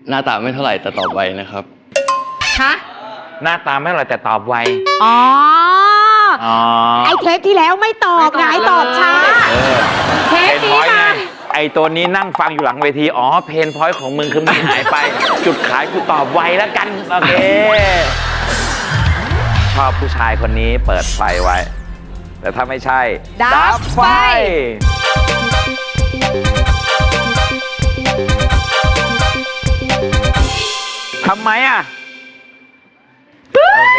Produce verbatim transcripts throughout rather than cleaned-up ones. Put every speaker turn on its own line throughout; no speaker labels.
หน้าตาไม่เท่าไหร่แต่ตอบไวนะครับ
ฮะ
หน้าตาไม่เท่าไหร่แต่ตอบไว
อ๋อ
อ๋อ
ไอเทปที่แล้วไม่ตอบไงตอบช้าเทปนี้มา
ไอตัวนี้นั่งฟังอยู่หลังเวทีอ๋อเพนพอยต์ของมึงคือมึงหายไป จุดขายกูตอบไวแล้วกันโอเคชอบผู้ชายคนนี้เปิดไฟไว้แต่ถ้าไม่ใช่ดับไฟทำไมอ่ะโอเค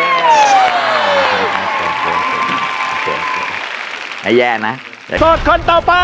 ไม่แย่นะโสดคนต่อไป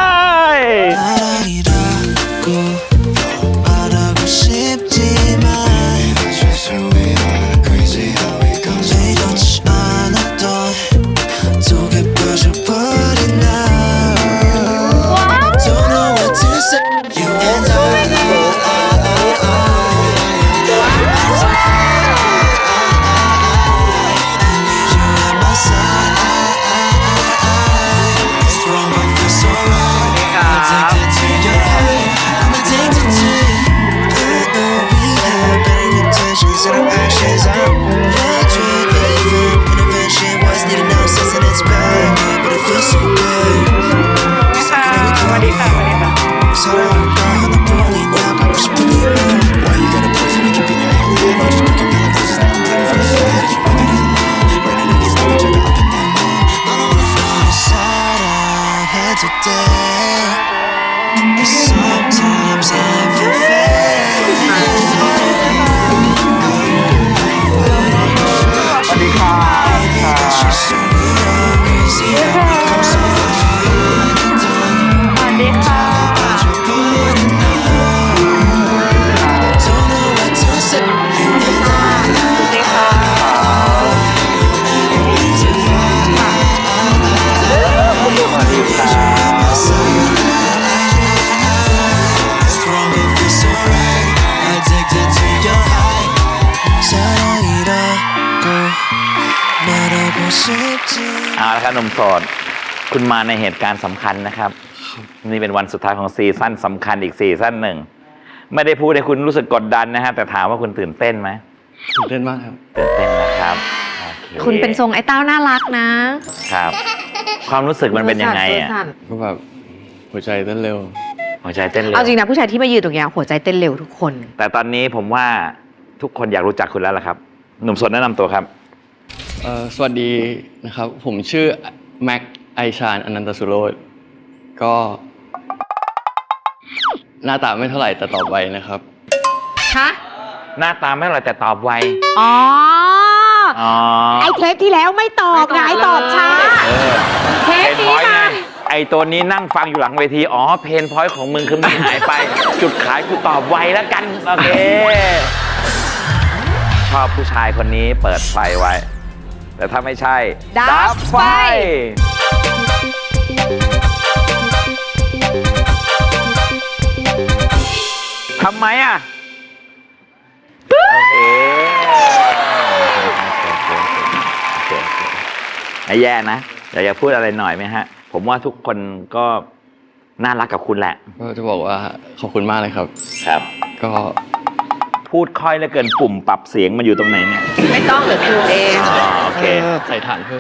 เอาละครับหนุ่มโสดคุณมาในเหตุการณ์สำคัญนะครับนี่เป็นวันสุดท้ายของซีซั่นสำคัญอีกซีซั่นหนึ่งไม่ได้พูดให้คุณรู้สึกกดดันนะฮะแต่ถามว่าคุณตื่นเต้นไหม
ตื่นเต้นมากครับ
ตื่นเต้นนะครับ
คุณเป็นทรงไอ้เต้าน่ารักนะครับ
ความรู้สึกมันเป็นยังไงอ่ะ
ก็แบบหัวใจเต้นเร็ว
หัวใจเต้นเร็ว
เอาจริงนะผู้ชายที่มายืนตรงนี้หัวใจเต้นเร็วทุกคน
แต่ตอนนี้ผมว่าทุกคนอยากรู้จักคุณแล้วล่ะครับหนุ่มโสดแนะนำตัวครับ
สวัสดีนะครับผมชื่อแม็กไอชาญอนันตสุโรจน์ก็หน้าตาไม่เท่าไหร่แต่ตอบไวนะครับ
ฮะ
หน้าตาไม่เท่าไหร่แต่ตอบไว
อ๋อไอเทปที่แล้วไม่ตอบไงตอบช้าเทปนี้มา
ไอตัวนี้นั่งฟังอยู่หลังเวทีอ๋อเพนพอยต์ของมึงคือมึงหายไป จุดขายกูตอบไวแล้วกันโอเคชอบผู้ชายคนนี้เปิดไฟไว้แต่ถ้าไม่ใช่ดับไฟทำไมอ่ะโอเคไม่แย่นะอยากจะพูดอะไรหน่อยไหมฮะผมว่าทุกคนก็น่ารักกับคุณแหละ
ก็จะบอกว่าขอบคุณมากเลยครับ
ครับก็พูดค่อยเหลือเกินปุ่มปรับเสียงมันอยู่ตรงไหนเนี่ย
ไม่ต้องเดี๋ยวคิวเอง
โอเค
ใส่ฐานเพิ่ม